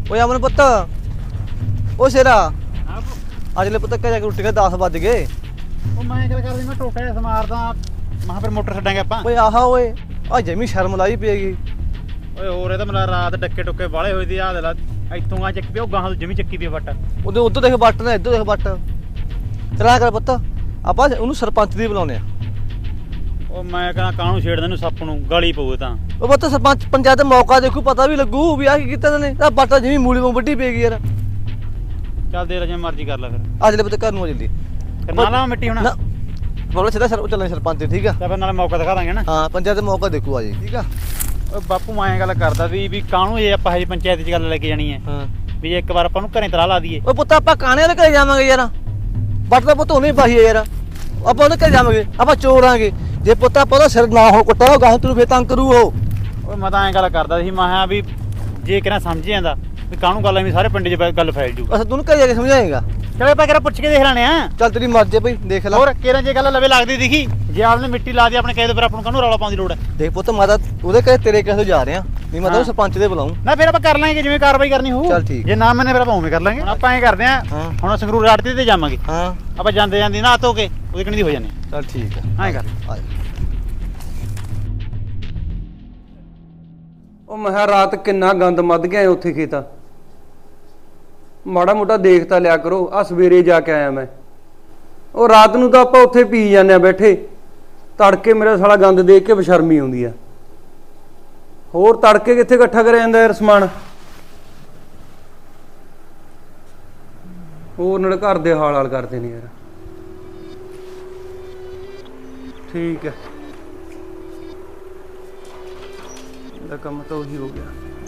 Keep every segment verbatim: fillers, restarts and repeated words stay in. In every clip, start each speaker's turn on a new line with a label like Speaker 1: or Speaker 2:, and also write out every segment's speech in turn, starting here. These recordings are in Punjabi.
Speaker 1: ਓਏ ਅਮਨ ਪੁੱਤ ਓ ਸ਼ੇਰਾ ਅੱਜ ਲੈ ਪੁੱਤ ਘਰੇ ਰੋਟੀ ਖਾ ਦਸ ਵੱਜ ਗਏ।
Speaker 2: ਉਹ ਮੈਂ ਗੱਲ ਕਰਦੀ ਮੈਂ ਟੋਕਾ ਜਿਹਾ ਸਮਾਰਦਾ ਮਹਾਂ ਫਿਰ ਮੋਟਰ ਛੱਡਾਂਗੇ ਆਪਾਂ।
Speaker 1: ਓਏ ਆਹਾ ਓਏ ਆ ਜਮੀ ਸ਼ਰਮ ਲਾਈ ਪਏਗੀ।
Speaker 2: ਓਏ ਹੋਰ ਇਹ ਤਾਂ ਮੇਰਾ ਰਾਤ ਡੱਕੇ ਟੁੱਕੇ ਵਾਲੇ ਹੋਏ ਦੀ ਆ ਦੇ ਲਾ ਇੱਥੋਂ ਆ ਚੱਕ ਪਿਓ ਗਾਹਾਂ ਜਮੀ ਚੱਕੀ ਪਈ ਵੱਟ।
Speaker 1: ਉਹਦੇ ਉੱਧਰ ਦੇਖ ਵੱਟ ਨੇ ਇੱਧਰ ਦੇਖ ਵੱਟ। ਚਲਾ ਕਰ ਪੁੱਤ ਆਪਾਂ ਉਹਨੂੰ ਸਰਪੰਚ ਦੀ ਬੁਲਾਉਣੇ ਆ।
Speaker 2: ਉਹ ਮੈਂ ਕਹਾਂ ਕਾਹਨੂੰ ਛੇੜਦੇ ਨੂੰ ਸੱਪ ਨੂੰ ਗਾਲੀ ਪਊ ਤਾਂ।
Speaker 1: ਉਹ ਪੁੱਤ ਸਰਪੰਚ ਪੰਚਾਇਤ ਦਾ ਮੌਕਾ ਦੇਖੂ ਪਤਾ ਵੀ ਲੱਗੂ ਵੀ ਆ ਕੀ ਕੀਤਾ ਨੇ। ਆ ਵੱਟ ਜਮੀ ਮੂਲੀ ਵਾਂਗ ਵੱਡੀ ਪਏਗੀ ਯਾਰ।
Speaker 2: ਚੱਲ ਦੇ ਲੈ ਜਿਵੇਂ ਮਰਜ਼ੀ ਕਰ ਲੈ ਫਿਰ।
Speaker 1: ਅੱਜ ਲੈ ਪੁੱਤ ਘਰ ਨੂੰ ਆ ਜਲਦੀ।
Speaker 2: ਫਿਰ ਨਾ ਲਾ ਮਿੱਟੀ ਹੁਣ
Speaker 1: ਨਾ ਬੋਲ ਸਿੱਧਾ ਸਰ ਚੱਲਣੇ ਸਰਪੰਚ ਠੀਕ ਆ।
Speaker 2: ਤਾਂ ਫਿਰ ਨਾਲੇ ਮੌਕਾ ਦਿਖਾ ਦਾਂਗੇ ਨਾ।
Speaker 1: ਹਾਂ ਪੰਚਾਇਤ ਦਾ ਮੌਕਾ ਦੇਖੂ ਆ ਜੀ ਠੀਕ ਆ।
Speaker 2: ਓਏ ਬਾਪੂ ਮੈਂ ਗੱਲ ਕਰਦਾ ਸੀ ਵੀ ਕਾਹਨੂੰ ਇਹ ਆਪਾਂ ਹਜੇ ਪੰਚਾਇਤ 'ਚ ਗੱਲ ਲੈ ਕੇ ਜਾਣੀ ਹੈ
Speaker 1: ਹਾਂ
Speaker 2: ਵੀ ਇੱਕ ਵਾਰ ਆਪਾਂ ਨੂੰ ਘਰੇ ਤਰਾ ਲਾ ਦਈਏ।
Speaker 1: ਓਏ ਪੁੱਤ ਆਪਾਂ ਕਾਣੇ ਵਾਲੇ ਘਰੇ ਜਾਵਾਂਗੇ ਯਾਰ। ਵੱਟ ਦਾ ਪੁੱਤ ਉਹਨੇ ਪਾਈ ਯਾਰ। ਆਪਾਂ ਉਹਦੇ ਘਰੇ ਜਾਵਾਂਗੇ ਆਪਾਂ ਚੋਰਾਂਗੇ ਜੇ ਪੁੱਤ ਆਪਾਂ ਉਹਦਾ ਸਿਰ ਨਾ ਹੋ ਕੁੱਟਾ ਗਾਹ ਤੈਨੂੰ ਫੇਰ ਤੰਗ ਕਰੂ ਉਹ।
Speaker 2: ਓਏ ਮੈਂ ਤਾਂ ਐਂ ਗੱਲ ਕਰਦਾ ਸੀ ਮੈਂ ਕਿਹਾ ਵੀ ਜੇ ਕਿਹਨਾਂ ਸਮਝ ਜਾਂਦਾ ਵੀ ਕਾਹਨੂੰ ਗੱਲ ਐਵੇਂ ਸਾਰੇ ਪਿੰਡ 'ਚ ਗੱਲ ਫੈਲ ਜੂ।
Speaker 1: ਅਸਾਂ ਤੈਨੂੰ ਘਰੇ ਜਾ ਕੇ ਸਮਝਾਏਗਾ।
Speaker 2: ਚਲੋ ਆਪਾਂ ਕਿਹੜਾ ਪੁੱਛ ਕੇ ਦੇਖ ਲੈਣੇ ਆ।
Speaker 1: ਚੱਲ ਤੇਰੀ ਮਰਜ਼ੀ ਬਈ ਦੇਖ ਲੈ।
Speaker 2: ਹੋਰ ਕਿਹੜਾ ਜੇ ਗੱਲ ਲਵੇ ਲੱਗਦੀ ਦਿਖੀ ਜੇ ਆਪਨੇ ਮਿੱਟੀ ਲਾ ਦੀ ਆਪਣੇ ਕਹੇ ਤੇ ਫਿਰ ਆਪਾਂ ਨੂੰ ਕਾਹਨੂੰ ਰੌਲਾ ਪਾਉਣ ਦੀ ਲੋੜ ਹੈ।
Speaker 1: ਦੇਖ ਪੁੱਤ ਮੈਂ ਤਾਂ ਉਹਦੇ ਘਰੇ ਤੇਰੇ ਕਿਸੇ ਜਾ ਰਿਹਾ ਨਹੀਂ ਮੈਂ ਤਾਂ ਸਰਪੰਚ ਦੇ ਬੁਲਾਉਂ।
Speaker 2: ਨਾ ਫਿਰ ਆਪਾਂ ਕਰ ਲਾਂਗੇ ਜਿਵੇਂ ਕਾਰਵਾਈ ਕਰਨੀ ਹੋਊ।
Speaker 1: ਚੱਲ ਠੀਕ।
Speaker 2: ਜੇ ਨਾ ਮੈਨੇ ਫਿਰ ਆਪਾਂ ਉਵੇਂ ਕਰ ਲਾਂਗੇ। ਹੁਣ ਆਪਾਂ ਐਂ ਕਰਦੇ ਆ ਹੁਣ ਸੰਗਰੂਰ ਰਾੜ ਤੇ ਜਾਵਾਂਗੇ।
Speaker 1: ਹਾਂ
Speaker 2: ਆਪਾਂ ਜਾਂਦੇ ਜਾਂਦੇ ਨਾ ਧੋ ਕੇ ਉਹਦੇ ਕਣੀ ਦੀ ਹੋ ਜਾਂਦੇ।
Speaker 1: ਚੱਲ ਠੀਕ ਆ
Speaker 2: ਐਂ ਕਰ।
Speaker 3: ਉਹ ਮੈਂ ਰਾਤ ਕਿੰਨਾ ਗੰਦ ਮੱਧ ਗਿਆ ਉੱਥੇ ਖੇਤਾਂ। ਮਾੜਾ ਮੋਟਾ ਦੇਖ ਤਾਂ ਲਿਆ ਕਰੋ। ਆ ਸਵੇਰੇ ਜਾ ਕੇ ਆਇਆ ਮੈਂ। ਉਹ ਰਾਤ ਨੂੰ ਤਾਂ ਆਪਾਂ ਉੱਥੇ ਪੀ ਜਾਂਦੇ ਆ ਬੈਠੇ। ਤੜਕੇ ਮੇਰਾ ਸਾਲਾ ਗੰਦ ਦੇਖ ਕੇ ਬਸ਼ਰਮੀ ਆਉਂਦੀ ਆ। ਹੋਰ ਤੜਕੇ ਕਿੱਥੇ ਇਕੱਠਾ ਕਰਿਆ ਜਾਂਦਾ ਯਾਰ ਸਮਾਨ। ਹੋਰ ਨਾਲ ਘਰ ਦੇ ਹਾਲ ਹਾਲ ਕਰਦੇ ਨੇ ਯਾਰ। ਠੀਕ ਹੈ ਇਹਦਾ ਕੰਮ ਤਾਂ ਉਹੀ ਹੋ ਗਿਆ।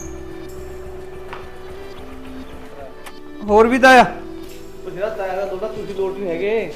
Speaker 3: ਹੋਰ ਵੀ ਤਾਂ ਆ
Speaker 1: ਉਹ ਜਿਹੜਾ ਤਾਇਆ ਦਾ ਦੋਦਾ ਤੁਸੀਂ ਲੋਟ ਨਹੀਂ ਹੈਗੇ।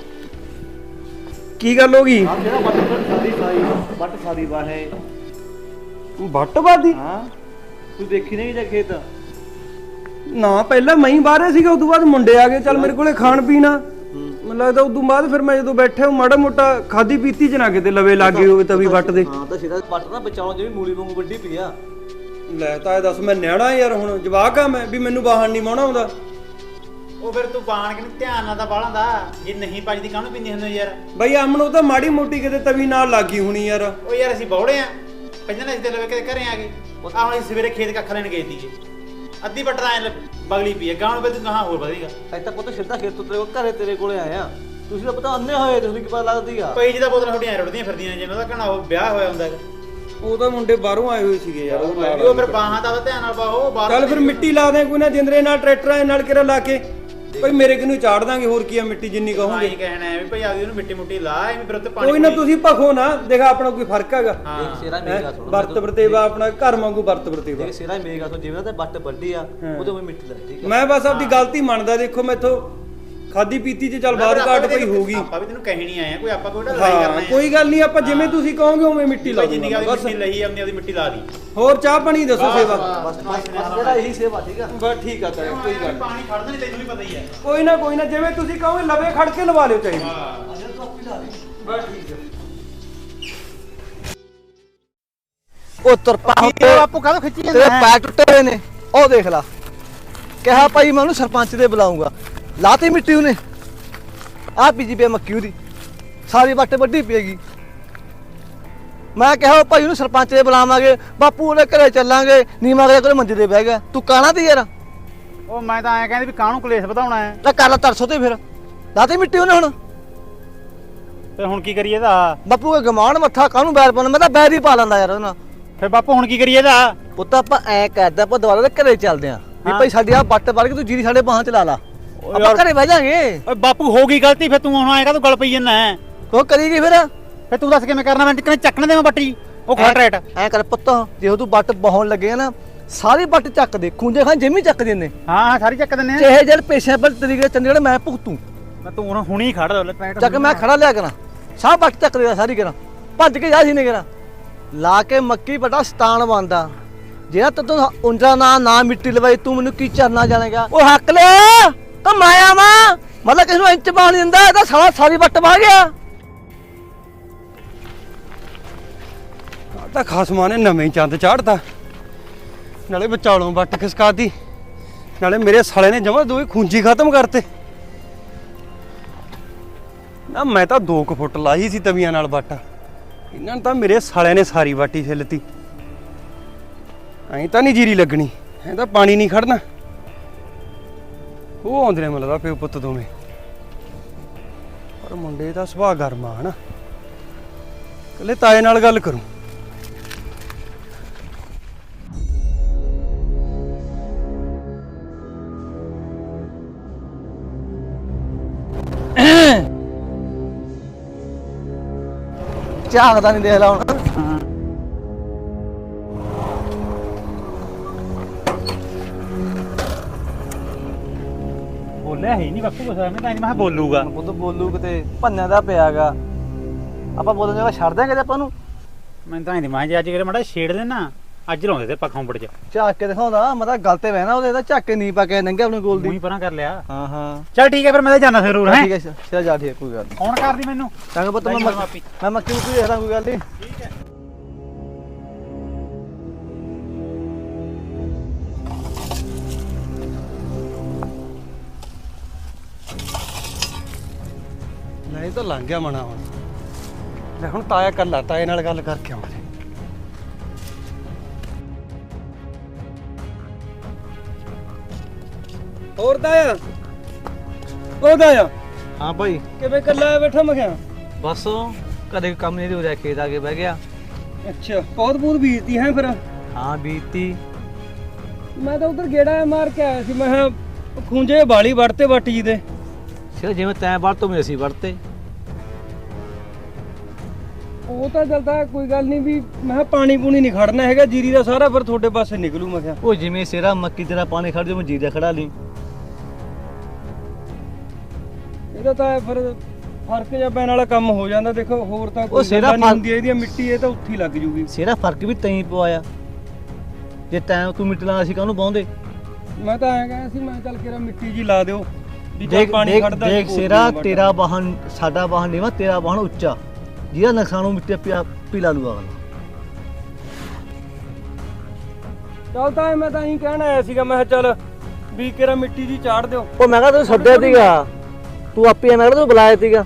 Speaker 3: ਕੀ ਗੱਲ ਹੋ ਗਈ?
Speaker 1: ਹਾਂ ਜਿਹੜਾ ਵੱਟ ਸਾਰੀ ਸਾਈ ਵੱਟ ਸਾਰੀ ਬਾਹੇ
Speaker 3: ਵੱਟਵਾਦੀ?
Speaker 1: ਹਾਂ ਤੂੰ ਦੇਖੀ ਨਹੀਂ ਜਾਂ ਖੇਤ?
Speaker 3: ਨਾ ਪਹਿਲਾਂ ਮੈਂ ਹੀ ਬਾਹਰ ਸੀਗਾ ਉਦੋਂ ਬਾਅਦ ਮੁੰਡੇ ਆ ਗਏ। ਚੱਲ ਮੇਰੇ ਕੋਲੇ ਖਾਣ ਪੀਣਾ ਮੈਨੂੰ ਲੱਗਦਾ ਉਦੋਂ ਬਾਅਦ ਫਿਰ ਮੈਂ ਜਦੋਂ ਬੈਠਾ ਮਾੜਾ ਮੋਟਾ ਖਾਦੀ ਪੀਤੀ ਚ ਨਾ ਕਿਤੇ ਲਵੇ ਲੱਗੇ ਹੋਵੇ ਤਵੀ ਵੱਟ ਦੇ।
Speaker 1: ਹਾਂ ਤਾਂ ਸਿੱਧਾ ਵੱਟ ਨਾ ਬਚਾਉਣ ਜਿਵੇਂ ਮੂਲੀ ਵਾਂਗੂ ਵੱਡੀ ਪਈ ਆ।
Speaker 3: ਲੈ ਤਾਂ ਇਹ ਦੱਸ ਮੈਂ ਨਿਆਣਾ ਯਾਰ ਹੁਣ ਜਵਾਕ ਆ ਮੈਂ ਵੀ ਮੈਨੂੰ ਬਾਹਣ ਨਹੀਂ ਮਾਉਣਾ ਆਉਂਦਾ।
Speaker 2: ਉਹ ਫਿਰ ਤੂੰ ਬਾਣ ਕੇ ਧਿਆਨ ਨਾਲ ਤਾਂ ਬਾਲਾਂ ਦਾ ਜੇ ਨਹੀਂ ਪੱਜਦੀ ਕਾਹਨੂੰ ਪਿੰਦੀ ਹੁੰਦੀ ਯਾਰ।
Speaker 3: ਬਈ ਅਮਨ ਉਹ ਤਾਂ ਮਾੜੀ ਮੋਟੀ ਕਿਤੇ ਤਵੀ ਨਾਲ ਲੱਗੀ ਹੋਣੀ ਯਾਰ।
Speaker 2: ਉਹ ਯਾਰ ਅਸੀਂ ਬੌੜੇ ਆ ਪਹਿਲਾਂ ਅਸੀਂ ਤੇ ਲਵੇ ਕੇ ਘਰੇ ਆ ਗਏ। ਆਹ ਹੁਣ ਅਸੀਂ ਸਵੇਰੇ ਖੇਤ ਕੱਖ ਲੈਣ ਗਏ ਸੀਗੇ ਅੱਧੀ ਵੱਟ ਤਾਂ ਐ ਬਗਲੀ ਪਈ ਹੈ ਗਾਂ ਨੂੰ ਤੂੰ ਕਹਾਂ ਹੋਰ ਵਧੇਗਾ।
Speaker 1: ਅੱਜ ਤਾਂ ਪੁੱਤ ਸਿੱਧਾ ਖੇਤ ਤੋਂ ਤੇਰੇ ਕੋਲ ਘਰੇ ਤੇਰੇ ਕੋਲੇ ਆਇਆ। ਤੁਸੀਂ ਤਾਂ ਪਤਾ ਅੰਨੇ ਹੋਏ ਤੁਸੀਂ ਕੀ ਪਤਾ ਲੱਗਦੀ ਆ।
Speaker 2: ਪਈ ਜਿਹਦਾ ਬੋਤਲਾਂ ਛੋਟੀਆਂ ਰੁੜਦੀਆਂ ਫਿਰਦੀਆਂ ਜਿਵੇਂ ਉਹਦਾ ਘਣਾ ਉਹ ਵਿਆਹ ਹੋਇਆ ਹੁੰਦਾ।
Speaker 3: ਉਹ ਤਾਂ ਮੁੰਡੇ ਬਾਹਰੋਂ ਆਏ ਹੋਏ ਸੀਗੇ ਯਾਰ।
Speaker 2: ਉਹ ਫਿਰ ਬਾਹਾਂ ਦਾ ਧਿਆਨ ਨਾਲ ਪਾਓ ਬਾਹਰ।
Speaker 3: ਚੱਲ ਫਿਰ ਮਿੱਟੀ ਲਾ ਦੇ ਕੋਈ ਨਾ ਜਿੰਦਰੇ ਨਾਲ ਟਰੈਕਟਰਾਂ ਨਾਲ ਕਿਰਾ ਲਾ ਕੇ ਭਾਈ ਮੇਰੇ ਕਿਨੂੰ ਚਾੜ ਦਾਂਗੇ। ਹੋਰ ਕੀ ਆ ਮਿੱਟੀ ਜਿੰਨੀ ਕਹੋਗੇ।
Speaker 2: ਨਹੀਂ ਕਹਿਣਾ ਹੈ ਵੀ ਭਾਈ ਆਪਦੀ ਉਹਨੂੰ ਮਿੱਟੀ ਮੁੱਟੀ ਲਾ ਐਵੇਂ ਫਿਰ ਉੱਤੇ ਪਾਣੀ
Speaker 3: ਕੋਈ ਨਾ ਤੁਸੀਂ ਭਖੋ ਨਾ ਦੇਖ ਆਪਣਾ ਕੋਈ ਫਰਕ ਹੈਗਾ।
Speaker 1: ਦੇਖ ਸੇਰਾ ਮੇਰੀ ਗੱਲ ਸੁਣ।
Speaker 3: ਵਰਤ ਵਰਤੇਵਾ ਆਪਣਾ ਘਰ ਵਾਂਗੂ ਵਰਤ ਵਰਤੇਵਾ।
Speaker 1: ਦੇਖ ਸੇਰਾ ਮੇਰੀ ਗੱਲ ਸੁਣ ਜਿਵੇਂ ਤੇ ਵੱਟ ਵੱਡੀ ਆ ਉਹਦੇ ਵਿੱਚ ਮਿੱਟੀ ਲੱਗ ਠੀਕ ਆ।
Speaker 3: ਮੈਂ ਬਸ ਆਪਦੀ ਗਲਤੀ ਮੰਨਦਾ। ਦੇਖੋ ਮੈਥੋਂ ਖਾਦੀ ਪੀਤੀ ਚ ਚੱਲ ਬਾਹਰ ਘਾਟ ਪਈ ਹੋਊਗੀ।
Speaker 2: ਆਪਾਂ ਵੀ ਤੈਨੂੰ ਕਹਿਣੀ ਆਏ ਆ ਕੋਈ ਆਪਾਂ ਕੋਈ ਲੜਾਈ ਕਰਨਾ
Speaker 3: ਹਾਂ
Speaker 2: ਹੈ।
Speaker 3: ਕੋਈ ਗੱਲ ਨਹੀਂ ਆਪਾਂ ਜਿਵੇਂ ਤੁਸੀਂ ਕਹੋਗੇ ਉਵੇਂ ਮਿੱਟੀ ਲਾ
Speaker 2: ਜਿੰਨੀ
Speaker 3: ਦੂੰਗਾ
Speaker 2: ਆਪਦੀ
Speaker 3: ਬਸ।
Speaker 2: ਮਿੱਟੀ ਲਈ ਆਪਣੀ ਆਪਦੀ ਮਿੱਟੀ ਲਾ ਦੀ।
Speaker 3: ਹੋਰ ਚਾਹ ਪਾਣੀ ਦੱਸੋ ਸੇਵਾ।
Speaker 1: ਬਸ ਬਸ ਜਿਹੜਾ ਇਹੀ ਸੇਵਾ ਠੀਕ ਆ।
Speaker 3: ਬਸ ਠੀਕ ਆ ਤਾਇਆ ਕੋਈ ਗੱਲ
Speaker 2: ਪਾਣੀ ਖੜਦਾ ਨਹੀਂ ਤੈਨੂੰ ਵੀ ਪਤਾ ਹੀ ਹੈ।
Speaker 3: ਕੋਈ ਨਾ ਕੋਈ ਨਾ ਜਿਵੇਂ ਤੁਸੀਂ ਕਹੋਗੇ ਲਵੇ ਖੜ ਕੇ ਲਵਾ ਲਿਓ ਚਾਹੀਦੀ।
Speaker 2: ਹਾਂ
Speaker 1: ਅਜੇ ਤੂੰ ਆਪੀ ਲਾ ਦੇ।
Speaker 3: ਬਸ ਠੀਕ ਹੈ।
Speaker 1: ਉਹ ਤਰਪਾ
Speaker 2: ਇਹ ਬਾਪੂ ਕਾਹਦੋਂ ਖਿੱਚੀ ਜਾਂਦਾ
Speaker 1: ਤੇਰੇ
Speaker 2: ਹੈ?
Speaker 1: ਪੈਰ ਟੁੱਟੇ ਹੋਏ ਨੇ ਉਹ ਦੇਖ ਲਾ। ਕਿਹਾ ਭਾਈ ਮੈਂ ਉਹਨੂੰ ਸਰਪੰਚ ਦੇ ਬੁਲਾਉਂਗਾ ਲਾਤੀ ਮਿੱਟੀ ਉਹਨੇ। ਆ ਬੀਜੀ ਪਈ ਮੱਕੀ ਉਹਦੀ ਸਾਰੀ ਵੱਟ ਵੱਡੀ ਪਏਗੀ। ਮੈਂ ਕਿਹਾ ਭਾਈ ਉਹਨੂੰ ਸਰਪੰਚ ਦੇ ਬੁਲਾਵਾਂਗੇ ਬਾਪੂ ਉਹਦੇ ਘਰੇ ਚੱਲਾਂਗੇ ਨੀਮਾ ਦੇ ਕੋਲ ਮੰਜੇ ਤੇ ਬਹਿ ਗਿਆ ਤੂੰ ਕਾਹਨਾ ਦੀ ਯਾਰ।
Speaker 2: ਉਹ ਮੈਂ ਤਾਂ ਐਂ ਕਹਿੰਦੀ ਵੀ ਕਾਹਨੂੰ ਕਲੇਸ਼ ਵਧਾਉਣਾ ਹੈ
Speaker 1: ਤਾਂ ਕਰ ਲਾ ਤਰਸੋ ਤੇ ਫਿਰ ਲਾਤੀ ਮਿੱਟੀ ਉਹਨੇ ਹੁਣ।
Speaker 2: ਤੇ ਹੁਣ ਕੀ ਕਰੀਏ ਇਹਦਾ?
Speaker 1: ਬਾਪੂ ਕੇ ਗਮਾਨ ਮੱਥਾ ਕਾਹਨੂੰ ਬੈਰ ਪਾਉਣਾ ਮੈਂ ਤਾਂ ਬੈਰ ਹੀ ਪਾ ਲੈਂਦਾ ਯਾਰ ਉਹਨਾਂ।
Speaker 2: ਫਿਰ ਬਾਪੂ ਹੁਣ ਕੀ ਕਰੀਏ ਇਹਦਾ?
Speaker 1: ਪੁੱਤ ਆਪਾਂ ਐ ਕਰਦਾ ਆਪਾਂ ਦੁਬਾਰਾ ਦੇ ਘਰੇ ਚੱਲਦੇ ਆਂ ਵੀ ਭਾਈ ਸਾਡੀ ਆ ਵੱਟ ਵੜ ਕੇ ਤੂੰ ਜੀਰੀ ਸਾਡੇ ਬਾਹਾਂ ਚ ਲਾ ਲਾ ਆਪਾਂ ਘਰੇ ਬਹਿ ਜਾਾਂਗੇ।
Speaker 2: ਓਏ ਬਾਪੂ ਹੋ ਗਈ ਗਲਤੀ ਫਿਰ ਤੂੰ ਹੁਣ ਆਏਗਾ ਤੂੰ ਗਲ ਪਈ ਜੰਨਾ ਹੈ।
Speaker 1: ਉਹ ਕਰੀਗੀ ਫਿਰ
Speaker 2: ਫਿਰ ਤੂੰ ਦੱਸ ਕਿਵੇਂ ਕਰਨਾ? ਮੈਂ ਟਿਕਣੇ ਚੱਕਣ ਦੇਵਾਂ ਬੱਟੀ ਉਹ ਖੜ ਰੇਟ
Speaker 1: ਐ ਕਰ ਪੁੱਤ ਜੇ ਤੂੰ ਵੱਟ ਬਹਾਉਣ ਲੱਗੇਗਾ ਨਾ ਸਾਰੀ ਵੱਟ ਚੱਕ ਦੇ ਖੂੰਜੇ ਖਾਂ ਜਿੰਮੀ ਚੱਕ ਦਿੰਦੇ।
Speaker 2: ਹਾਂ ਹਾਂ ਸਾਰੀ ਚੱਕ ਦਿੰਨੇ ਆ।
Speaker 1: ਚਾਹੇ ਜਦ ਪੇਸ਼ੇ ਪਰ ਤਰੀਕੇ ਚੰਡੀਗੜ੍ਹ ਮੈਂ ਭੁਗਤੂ।
Speaker 2: ਮੈਂ ਤੂੰ ਹੁਣ ਹੁਣੀ ਖੜ ਲੈ ਪੈਂਟ
Speaker 1: ਚੱਕ ਮੈਂ ਖੜਾ ਲਿਆ ਕਰਾਂ ਸਾਹ ਵੱਟ ਚੱਕ ਦੇ ਸਾਰੀ ਕਰਾਂ ਭੱਜ ਕੇ ਜਾ ਸੀ ਨੇ ਕਰਾਂ ਲਾ ਕੇ ਮੱਕੀ ਬੜਾ ਸਤਾਨ ਬਣਦਾ ਜਿਹੜਾ ਤੂੰ ਉਂਜਾ ਨਾ ਨਾ ਮਿੱਟੀ ਲਵਾਈ ਤੂੰ ਮੈਨੂੰ ਕੀ ਚਰਨਾ ਜਾਣੇਗਾ। ਉਹ ਹੱਕ ਲਿਆ ਤਾਂ ਮਾਇਆ ਵਾ ਮਤਲਬ ਕਿਸ ਨੂੰ ਇੰਚ ਬਾਣ ਦਿੰਦਾ ਇਹਦਾ ਸਾਲਾ ਸਾਰੀ ਵੱਟ ਵਾਹ ਗਿਆ।
Speaker 3: ਤਾਂ ਖਸਮਾਂ ਨੇ ਨਵੇਂ ਚੰਦ ਚਾੜਤਾ ਨਾਲੇ ਵਿਚਾਲੋਂ ਵੱਟ ਖਿਸਕਾਤੀ ਨਾਲੇ ਮੇਰੇ ਸਾਲੇ ਨੇ ਜਮਾ ਦੋਵੇਂ ਖੂੰਜੀ ਖਤਮ ਕਰਤੇ ਨਾ। ਮੈਂ ਤਾਂ ਦੋ ਕੁ ਫੁੱਟ ਲਾਈ ਸੀ ਤਵੀਆਂ ਨਾਲ ਵਾਟਾ, ਇਹਨਾਂ ਨੇ ਤਾਂ ਮੇਰੇ ਸਾਲਿਆਂ ਨੇ ਸਾਰੀ ਵਾਟੀ ਛਿੱਲਤੀ। ਐਂ ਤਾਂ ਨਹੀਂ ਜੀਰੀ ਲੱਗਣੀ, ਐਂ ਤਾਂ ਪਾਣੀ ਨਹੀਂ ਖੜਨਾ। ਉਹ ਆਉਂਦੇ ਨੇ ਮੈਨੂੰ ਲੱਗਦਾ ਪਿਓ ਪੁੱਤ ਦੋਵੇਂ, ਪਰ ਮੁੰਡੇ ਦਾ ਸੁਭਾਅ ਗਰਮ ਆ ਹਨਾ। ਕੱਲੇ ਤਾਏ ਨਾਲ ਗੱਲ ਕਰੂੰ।
Speaker 1: ਝਾਕਦਾ ਨਹੀਂ ਦੇਖ ਲਾ ਹੁਣ।
Speaker 2: ਬੋਲਿਆ ਹੈ ਨਹੀਂ ਬਾਪੂ ਕੁਛ, ਮੈਂ ਤਾਂ ਨਹੀਂ ਮੈਂ ਬੋਲੂਗਾ।
Speaker 1: ਪੁੱਤ ਬੋਲੂ ਕਿਤੇ ਭੰਨਿਆ ਦਾ ਪਿਆਗਾ, ਆਪਾਂ ਬੋਲਣ ਜਗਾ ਛੱਡ ਦਿਆਂਗੇ ਤੇ ਆਪਾਂ ਨੂੰ।
Speaker 2: ਮੈਂ ਤਾਂ ਨਹੀਂ ਮੈਂ ਜੇ ਅੱਜ ਕਿਹੜੇ ਮਾੜਾ ਛੇੜ ਦੇਣਾ, ਅੱਜ ਲਾਉਂਦੇ ਤੇ ਪੱਖੋਂ ਪੜ ਚ
Speaker 1: ਝਾਕ ਕੇ ਦਿਖਾਉਂਦਾ, ਮੈਂ ਤਾਂ ਗੱਲ ਤੇ ਬਹਿਣਾ ਉਹਦੇ ਤਾਂ ਝਾਕ ਕੇ ਨਹੀਂ ਪਾ ਕੇ ਨੰਗੇ ਆਪਣੇ ਕੋਲ
Speaker 2: ਮੂੰਹ ਹੀ
Speaker 1: ਦੀ।
Speaker 2: ਪਰਾਂ ਕਰ ਲਿਆ।
Speaker 1: ਹਾਂ ਹਾਂ
Speaker 2: ਚੱਲ ਠੀਕ ਹੈ ਫਿਰ ਮੈਂ ਤਾਂ ਜਾਣਾ ਜ਼ਰੂਰ ਹੈ।
Speaker 1: ਠੀਕ ਹੈ ਚਲ ਜਾ, ਠੀਕ ਕੋਈ ਗੱਲ ਨਹੀਂ।
Speaker 2: ਫੋਨ ਕਰਦੀ ਮੈਨੂੰ।
Speaker 1: ਚੰਗਾ ਪੁੱਤ, ਮੈਂ
Speaker 2: ਮਾਪੀ
Speaker 1: ਮੈਂ ਮੱਕੀ ਨੂੰ ਦੇਖਦਾ, ਕੋਈ ਗੱਲ ਨਹੀਂ।
Speaker 2: ਠੀਕ ਹੈ।
Speaker 3: ਨਹੀਂ ਤਾਂ ਲੰਘ ਗਿਆ ਮਣਾ ਹੁਣ। ਲੈ ਹੁਣ ਤਾਇਆ ਕੱਲਾ, ਤਾਏ ਨਾਲ ਗੱਲ ਕਰਕੇ ਆਵਾਂ। ਹੋਰ ਤਾਇਆ, ਉਹ ਤਾਇਆ
Speaker 1: ਹਾਂ ਭਾਈ,
Speaker 3: ਕਿਵੇਂ ਕੱਲਾ ਬੈਠਾ ਮੈਂ ਕਿਹਾ?
Speaker 1: ਬਸ ਕਦੇ ਕੰਮ ਨਹੀਂ ਹੋ ਰਿਹਾ, ਖੇਤ ਆ ਕੇ ਬਹਿ ਗਿਆ।
Speaker 3: ਅੱਛਾ, ਬਹੁਤ ਬਹੁਤ ਬੀਜਤੀ ਹੈ ਫਿਰ?
Speaker 1: ਹਾਂ ਬੀਤੀ।
Speaker 3: ਮੈਂ ਤਾਂ ਉਧਰ ਗੇੜਾ ਮਾਰ ਕੇ ਆਇਆ ਸੀ, ਮੈਂ ਕਿਹਾ ਖੂੰਜੇ ਬਾਲੀ ਵੜਤੇ ਵੱਟ ਜੀ ਦੇ।
Speaker 1: ਸਿਰ ਜਿਵੇਂ ਤੈਂ ਵੜ ਤੋਂ ਮੈਂ ਅਸੀਂ ਵੜਤੇ।
Speaker 3: ਉਹ ਤਾਂ ਚੱਲਦਾ ਕੋਈ ਗੱਲ ਨਹੀਂ, ਵੀ ਮੈਂ ਕਿਹਾ ਪਾਣੀ ਪੂਣੀ ਨਹੀਂ ਖੜਨਾ ਹੈਗਾ, ਜੀਰੀ ਦਾ ਸਾਰਾ ਫਿਰ ਤੁਹਾਡੇ ਪਾਸੇ ਨਿਕਲੂ। ਮੈਂ ਕਿਹਾ
Speaker 1: ਉਹ ਜਿਵੇਂ ਸਿਰਾ ਮੱਕੀ ਤੇਰਾ ਪਾਣੀ ਖੜ ਜਾ, ਮੈਂ ਜੀਰਾ ਖੜਾ ਲਈ।
Speaker 3: ਇਹਦਾ ਤਾਂ ਫਿਰ ਫਰਕ ਜਿਹਾ ਪੈਣ ਵਾਲਾ ਕੰਮ ਹੋ ਜਾਂਦਾ। ਦੇਖੋ ਹੋਰ ਤਾਂ
Speaker 1: ਉਹ
Speaker 3: ਕੋਈ
Speaker 1: ਸਿਰਾ
Speaker 3: ਗੱਲ ਨਹੀਂ
Speaker 1: ਫਰਕ-
Speaker 3: ਹੁੰਦੀ, ਇਹਦੀ ਮਿੱਟੀ ਇਹ ਤਾਂ ਉੱਥੇ ਹੀ ਲੱਗ ਜੂਗੀ।
Speaker 1: ਸਿਰਾ ਫਰਕ ਵੀ ਤੈਂ ਪਵਾਇਆ, ਜੇ ਤੈਂ ਤੂੰ ਮਿੱਟੀ ਲਾਣਾ ਸੀ ਕਾਹਨੂੰ ਪਾਉਂਦੇ।
Speaker 3: ਮੈਂ ਤਾਂ ਐਂ ਕਹਿੰਦਾ ਸੀ, ਮੈਂ ਚੱਲ ਕਿਹੜਾ ਮਿੱਟੀ ਜੀ ਲਾ ਦਿਓ ਵੀ ਚੱਲ
Speaker 1: ਦੇਖ
Speaker 3: ਪਾਣੀ
Speaker 1: ਦੇਖ
Speaker 3: ਖੜਦਾ।
Speaker 1: ਦੇਖ ਸਿਰਾ, ਤੇਰਾ ਵਾਹਨ ਸਾਡਾ ਵਾਹਨ ਨੀਵਾ, ਤੇਰਾ ਵਾਹਨ ਉੱਚਾ, ਜਿਹਦਾ ਨੁਕਸਾਨ ਉਹ ਮਿੱਟੀ ਪਿਆ ਪੀਲਾ ਲੂਗਾ ਅਗਲਾ।
Speaker 3: ਚੱਲ ਤਾਂ ਮੈਂ ਤਾਂ ਇਹੀ ਕਹਿਣ ਆਇਆ ਸੀਗਾ, ਮੈਂ ਕਿਹਾ ਚੱਲ ਵੀ ਕਿਹੜਾ ਮਿੱਟੀ ਜੀ ਚਾੜ ਦਿਓ।
Speaker 1: ਉਹ ਮੈਂ ਕਿਹਾ ਤੂੰ ਛੱਡਿਆ ਸੀਗਾ, ਤੂੰ ਆਪੇ ਮੈਂ ਕਿਹਾ ਤੂੰ ਬੁਲਾਇਆ ਸੀਗਾ।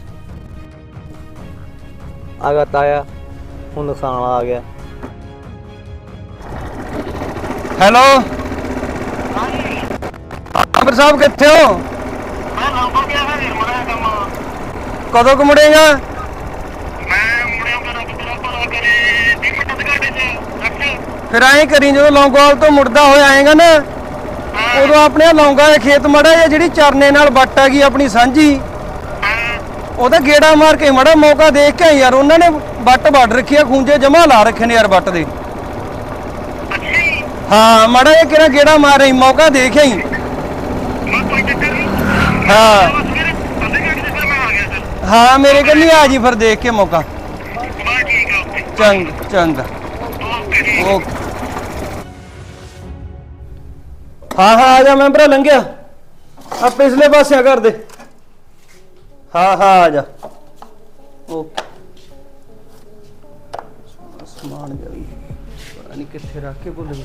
Speaker 1: ਆ ਗਿਆ ਤਾਇਆ, ਹੁਣ ਨੁਕਸਾਨ ਵਾਲਾ ਆ ਗਿਆ।
Speaker 3: ਹੈਲੋ ਆਬਰ ਸਾਹਿਬ, ਕਿੱਥੇ ਹੋ?
Speaker 4: ਮੈਂ ਲੰਬਾ ਗਿਆ ਹੈ ਨਿਰਮਲਾ ਕੰਮ।
Speaker 3: ਕਦੋਂ ਕੁ ਮੁੜੇਗਾ?
Speaker 4: ਮੈਂ ਮੁੜਿਆ ਕਰ ਤੇਰਾ ਭਲਾ ਕਰੇ ਵੀਹ ਮਿੰਟ ਦੇ ਘਾਟੇ ਚ ਰੱਖ।
Speaker 3: ਫਿਰ ਐਂ ਕਰੀ, ਜਦੋਂ ਲੌਂਗੋਵਾਲ ਤੋਂ ਮੁੜਦਾ ਹੋਇਆ ਆਏਗਾ ਨਾ, ਉਦੋਂ ਆਪਣੇ ਲੌਂਗਾ ਦੇ ਖੇਤ ਮੜਾ ਜਾਂ ਜਿਹੜੀ ਚਰਨੇ ਨਾਲ ਵੱਟ ਹੈਗੀ ਆਪਣੀ ਸਾਂਝੀ, ਉਹਦਾ ਗੇੜਾ ਮਾਰ ਕੇ ਮੜਾ ਮੌਕਾ ਦੇਖ ਕੇ ਯਾਰ। ਉਹਨਾਂ ਨੇ ਵੱਟ ਵੱਢ ਰੱਖੀ ਆ, ਖੂੰਜੇ ਜਮਾ ਲਾ ਰੱਖੇ ਨੇ ਯਾਰ ਵੱਟ ਦੇ। ਹਾਂ ਮੜਾ ਇਹ ਕਿਹੜਾ ਗੇੜਾ ਮਾਰ ਰਹੀ, ਮੌਕਾ ਦੇਖਿਆ ਹੀ।
Speaker 4: ਮੈਂ ਕੋਈ ਚੱਕਰ ਨਹੀਂ।
Speaker 3: ਹਾਂ
Speaker 4: ਸਵੇਰੇ ਅੱਧੇ ਘੰਟੇ ਚ ਫਿਰ ਮੈਂ ਆ ਗਿਆ ਸਰ।
Speaker 3: ਹਾਂ ਮੇਰੇ ਕੋਲ ਨਹੀਂ, ਆ ਜੀ ਫਿਰ ਦੇਖ ਕੇ ਮੌਕਾ।
Speaker 4: ਬਸ ਠੀਕ ਆ, ਓਕੇ
Speaker 3: ਚੰਗਾ ਚੰਗਾ
Speaker 4: ਓਕੇ ਜੀ।
Speaker 3: ਓਕੇ। ਹਾਂ ਹਾਂ ਆ ਜਾ ਮੈਂ ਭਰਾ, ਲੰਘਿਆ ਆ ਪਿਛਲੇ ਪਾਸੇ ਆ ਕਰ ਦੇ। ਹਾਂ ਹਾਂ ਆ ਜਾ। ਓਕੇ। ਸਮਾਨ ਜਾ ਵੀ ਪਤਾ ਨਹੀਂ ਕਿੱਥੇ ਰੱਖ ਕੇ ਭੁੱਲ ਗਿਆ।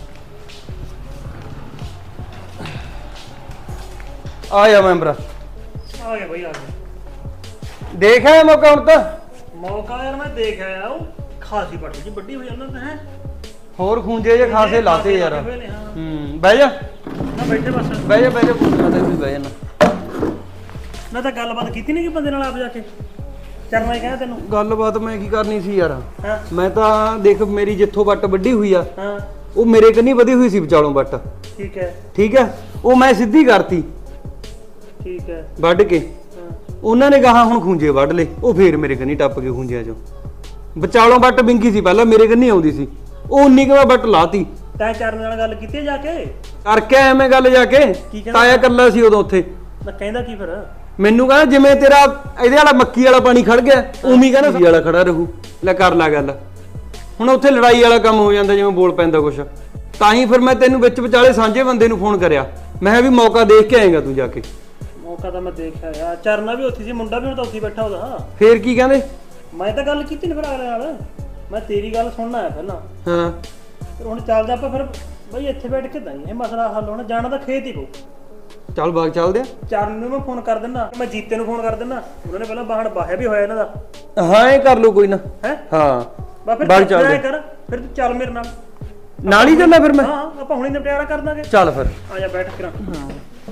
Speaker 3: ਆ ਜਾ ਮੈਂ ਭਰਾ,
Speaker 5: ਆ ਗਿਆ ਬਈ, ਆ ਗਿਆ।
Speaker 3: ਦੇਖਿਆ ਮੌਕਾ ਹੁਣ ਤਾਂ?
Speaker 5: ਮੌਕਾ ਯਾਰ ਮੈਂ ਦੇਖ ਆਇਆ, ਉਹ ਖਾਸੀ ਪੱਟੀ ਜੀ ਵੱਡੀ ਹੋਈ ਉਹਨਾਂ ਨੇ। ਹੈ
Speaker 3: ਹੋਰ ਖੂੰਜੇ ਜੇ ਖਾਸੇ ਲਾਤੇ ਯਾਰ।
Speaker 5: ਹਾਂ
Speaker 3: ਹੂੰ ਬਹਿ ਜਾ
Speaker 5: ਨਾ ਬੈਠੇ ਬਸ।
Speaker 3: ਬਹਿ ਜਾ ਬਹਿ ਜਾ, ਪੁੱਛਣਾ ਤੇ ਵੀ ਬਹਿ ਜਾਣਾ।
Speaker 5: ਮੈਂ ਤਾਂ ਗੱਲਬਾਤ ਕੀਤੀ ਨਹੀਂ ਕਿ ਬੰਦੇ ਨਾਲ ਆਪ ਜਾ ਕੇ ਚਰਨਾ ਹੀ ਕਹਿੰਦਾ ਤੈਨੂੰ।
Speaker 3: ਗੱਲਬਾਤ ਮੈਂ ਕੀ ਕਰਨੀ ਸੀ ਯਾਰ,
Speaker 5: ਹਾਂ
Speaker 3: ਮੈਂ ਤਾਂ ਦੇਖ ਮੇਰੀ ਜਿੱਥੋਂ ਵੱਟ ਵੱਡੀ ਹੋਈ ਆ,
Speaker 5: ਹਾਂ
Speaker 3: ਉਹ ਮੇਰੇ ਕੰਨੀ ਵਧੀ ਹੋਈ ਸੀ ਵਿਚਾਲੋਂ ਵੱਟ।
Speaker 5: ਠੀਕ ਹੈ
Speaker 3: ਠੀਕ ਹੈ, ਉਹ ਮੈਂ ਸਿੱਧੀ ਕਰਤੀ
Speaker 5: ਠੀਕ ਹੈ।
Speaker 3: ਵੱਢ ਕੇ।
Speaker 5: ਹਾਂ
Speaker 3: ਉਹਨਾਂ ਨੇ ਗਾਹਾਂ ਹੁਣ ਖੂੰਜੇ ਵੱਢ ਲਏ, ਉਹ ਫੇਰ ਮੇਰੇ ਕੰਨੀ ਟੱਪ ਕੇ ਖੂੰਜਿਆਂ ਚੋਂ। ਵਿਚਾਲੋਂ ਵੱਟ ਵਿੰਗੀ ਸੀ ਪਹਿਲਾਂ, ਮੇਰੇ ਕੰਨੀ ਆਉਂਦੀ ਸੀ, ਉਹ ਉਨੀ ਕੁ ਮੈਂ ਵੱਟ ਲਾਤੀ।
Speaker 5: ਤੈਂ ਚਰਨ ਨਾਲ ਗੱਲ ਕੀਤੀ ਹੈ ਜਾ ਕੇ?
Speaker 3: ਕਰਕੇ ਆਇਆ ਮੈਂ ਗੱਲ ਜਾ ਕੇ।
Speaker 5: ਕੀ ਕਹਿੰਦਾ?
Speaker 3: ਤਾਇਆ ਕੱਲਾ ਸੀ ਉਦੋਂ ਉੱਥੇ।
Speaker 5: ਮੈਂ ਕਹਿੰਦਾ ਕੀ ਫਿਰ?
Speaker 3: ਮੈਨੂੰ ਕਹਿੰਦਾ ਜਿਵੇਂ ਤੇਰਾ ਇਹਦੇ ਵਾਲਾ ਮੱਕੀ ਵਾਲਾ ਪਾਣੀ ਖੜ ਗਿਆ, ਉਵੇਂ ਕਹਿੰਦਾ ਸਬਜ਼ੀ ਵਾਲਾ ਖੜਾ ਰਹੂ। ਲੈ ਕਰ ਲੈ ਗੱਲ। ਹੁਣ ਉੱਥੇ ਲੜਾਈ ਵਾਲਾ ਕੰਮ ਹੋ ਜਾਂਦਾ, ਜਿਵੇਂ ਬੋਲ ਪੈਂਦਾ ਕੁਛ। ਤਾਂ ਹੀ ਫਿਰ ਮੈਂ ਤੈਨੂੰ ਵਿੱਚ ਵਿਚਾਲੇ ਸਾਂਝੇ ਬੰਦੇ ਨੂੰ ਫੋਨ ਕਰਿਆ, ਮੈਂ ਕਿਹਾ ਵੀ ਮੌਕਾ ਦੇਖ ਕੇ ਆਏਗਾ ਤੂੰ ਜਾ ਕੇ।
Speaker 5: ਮੌਕਾ ਤਾਂ ਮੈਂ ਦੇਖਿਆ ਯਾਰ, ਚਰਨਾ ਵੀ ਉੱਥੇ ਸੀ, ਮੁੰਡਾ ਵੀ ਹੁਣ ਤਾਂ ਉੱਥੇ ਬੈਠਾ ਉਹਦਾ।
Speaker 3: ਫੇਰ ਕੀ ਕਹਿੰਦੇ?
Speaker 5: ਮੈਂ ਤਾਂ ਗੱਲ ਕੀਤੀ ਨਹੀਂ ਫਿਰ ਅਗਲੇ ਨਾਲ, ਮੈਂ ਤੇਰੀ ਗੱਲ ਸੁਣਨਾ ਹੈ ਪਹਿਲਾਂ।
Speaker 3: ਹਾਂ
Speaker 5: ਫਿਰ ਹੁਣ ਚੱਲਦਾ ਆਪਾਂ ਫਿਰ ਬਈ ਇੱਥੇ ਬੈਠ ਕੇ ਤਾਂ ਇਹ ਮਸਲਾ ਹੱਲ ਹੋਣਾ, ਜਾਣਾ ਤਾਂ ਖੇਤ ਹੀ ਪਊ।
Speaker 3: ਚੱਲ ਬਾਗ ਚੱਲਦੇ ਆ।
Speaker 5: ਚਰਨ ਨੂੰ ਮੈਂ ਫੋਨ ਕਰ ਦਿੰਦਾ, ਮੈਂ ਜੀਤੇ ਨੂੰ ਫੋਨ ਕਰ ਦਿੰਦਾ, ਉਹਨਾਂ ਨੇ ਪਹਿਲਾਂ ਬਾਹਣ ਬਾਹਿਆ ਵੀ ਹੋਇਆ ਇਹਨਾਂ ਦਾ।
Speaker 3: ਹਾਂ ਇਹ ਕਰ ਲਓ ਕੋਈ ਨਾ।
Speaker 5: ਹੈ
Speaker 3: ਹਾਂ
Speaker 5: ਬਾ ਫਿਰ
Speaker 3: ਬਾਗ
Speaker 5: ਤੂੰ ਐਂ
Speaker 3: ਚੱਲਦੇ
Speaker 5: ਕਰ, ਫਿਰ ਤੂੰ ਚੱਲ ਮੇਰੇ ਨਾਲ।
Speaker 3: ਨਾਲ ਹੀ ਚੱਲਣਾ ਫਿਰ ਮੈਂ।
Speaker 5: ਹਾਂ ਆਪਾਂ ਹੁਣੇ ਨਿਪਟਾਰਾ ਕਰ ਦਾਂਗੇ।
Speaker 3: ਚੱਲ ਫਿਰ।
Speaker 5: ਆ ਜਾ ਬੈਠ ਕੇ। ਹਾਂ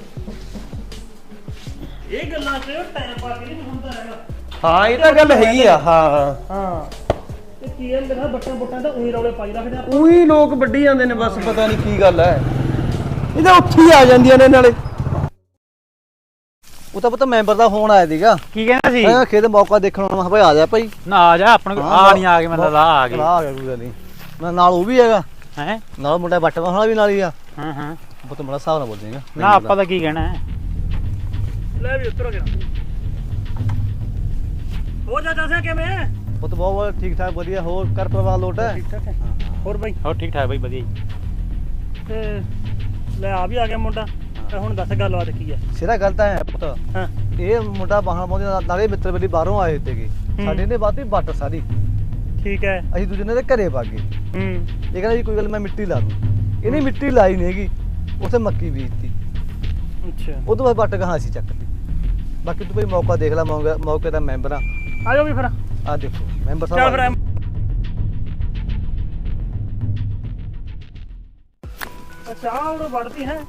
Speaker 5: ਇਹ ਗੱਲਾਂ ਤੇ ਟਾਈਮ ਪਾ ਕੇ ਨਹੀਂ ਹੁੰਦਾ ਹੈਗਾ।
Speaker 3: ਹਾਂ ਇਹ ਤਾਂ ਗੱਲ ਹੈਗੀ ਆ। ਹਾਂ
Speaker 5: ਹਾਂ ਇਹ ਕੀ ਹੈ, ਮੇਰਾ ਬੱਟਾਂ ਬੁੱਟਾਂ ਤਾਂ ਉਹੀ ਰੌਲੇ ਪਾਈ ਰੱਖਦੇ ਆਪਾਂ।
Speaker 3: ਉਹੀ ਲੋਕ ਵੱਢੀ ਜਾਂਦੇ ਨੇ ਬਸ, ਪਤਾ ਨਹੀਂ ਕੀ ਗੱਲ ਹੈ। ਇਹ ਤਾਂ ਉੱਥੇ ਹੀ ਆ ਜਾਂਦੀਆਂ ਨੇ ਨਾਲੇ।
Speaker 1: ਉਹ ਤਾਂ ਪਤਾ ਮੈਂਬਰ ਦਾ ਫੋਨ ਆਇਆ ਸੀਗਾ,
Speaker 2: ਕੀ ਕਹਿੰਦਾ ਸੀ?
Speaker 1: ਮੈਂ ਖੇਤ ਮੌਕਾ ਦੇਖਣ ਆਉਣਾ, ਮੈਂ ਕਿਹਾ ਭਾਈ ਆ ਜਾ ਭਾਈ।
Speaker 2: ਨਾ ਆ ਜਾ, ਆਪਣੇ ਕੋਲ ਆ ਨਹੀਂ ਆ ਗਏ, ਮਤਲਬ ਆ ਆ ਗਏ।
Speaker 1: ਆ ਗਿਆ ਕੋਈ ਗੱਲ ਨਹੀਂ, ਮੈਂ ਨਾਲ ਉਹ ਵੀ ਹੈਗਾ,
Speaker 2: ਹੈ
Speaker 1: ਨਾਲ ਮੁੰਡਾ ਬੱਟ ਵਾਲਾ ਵੀ ਨਾਲ ਹੀ ਆ।
Speaker 2: ਹਾਂ ਹਾਂ
Speaker 1: ਪੁੱਤ ਬੜਾ ਹਿਸਾਬ ਨਾਲ ਬੋਲ ਦੇਗਾ
Speaker 2: ਨਾ, ਆਪਾਂ ਤਾਂ ਕੀ ਕਹਿਣਾ ਹੈ।
Speaker 5: ਲੈ ਵੀ ਉਤਰੋ ਗਿਆ ਹੋ ਜਾ ਦੱਸਿਆ ਕਿਵੇਂ?
Speaker 1: ਪੁੱਤ ਬਹੁਤ ਬਹੁਤ ਠੀਕ ਠਾਕ ਵਧੀਆ। ਹੋਰ ਕਰ ਪਰਿਵਾਰ ਲੋਟ ਹੈ?
Speaker 5: ਠੀਕ ਠਾਕ ਹੈ। ਹੋਰ ਬਾਈ
Speaker 2: ਹੋਰ ਠੀਕ ਠਾਕ ਬਾਈ, ਵਧੀਆ ਜੀ।
Speaker 5: ਤੇ ਲੈ ਆ ਵੀ ਆ ਗਿਆ ਮੁੰਡਾ, ਤੇ ਹੁਣ ਦੱਸ ਗੱਲਬਾਤ ਕੀ ਹੈ?
Speaker 1: ਸਿਰਾ ਗੱਲ ਤਾਂ ਹੈ ਪੁੱਤ,
Speaker 5: ਹਾਂ
Speaker 1: ਇਹ ਮੁੰਡਾ ਬਾਹਰ ਪਾਉਂਦੇ ਨਾਲੇ ਮਿੱਤਰ ਬਲੀ ਬਾਹਰੋਂ ਆਏ ਤੇਗੇ, ਸਾਡੇ ਨੇ ਬਾਤੀ ਬੱਟ ਸਾਰੀ,
Speaker 5: ਠੀਕ ਹੈ।
Speaker 1: ਅਸੀਂ ਦੂਜੇ ਨੇ ਦੇ ਘਰੇ ਪਾ ਗਏ।
Speaker 5: ਹੂੰ
Speaker 1: ਇਹ ਕਹਿੰਦਾ ਜੀ ਕੋਈ ਗੱਲ ਮੈਂ ਮਿੱਟੀ ਲਾ ਦੂੰ, ਇਹਨੇ ਮਿੱਟੀ ਲਾਈ ਨਹੀਂ ਹੈਗੀ, ਉੱਥੇ ਮੱਕੀ ਬੀਜਤੀ,
Speaker 5: ਅੱਛਾ
Speaker 1: ਉਹ ਤੋਂ ਬਾਅਦ ਬੱਟ ਕਹਾਂ ਅਸੀਂ ਚੱਕਤੀ। ਬਾਕੀ ਤੂੰ ਭਾਈ ਮੌਕਾ ਦੇਖ ਲੈ, ਮੌਕਾ ਮੌਕੇ ਦਾ ਮੈਂਬਰ ਆ।
Speaker 5: ਆ ਜਾਓ ਵੀ ਫਿਰ।
Speaker 1: ਆ ਦੇਖੋ ਮੈਂਬਰ
Speaker 5: ਚੱਲ
Speaker 1: ਸਾਹਿਬ
Speaker 5: ਫਿਰ
Speaker 1: ਆ।
Speaker 5: ਅੱਛਾ ਉਹ ਵੜਦੀ ਹੈ।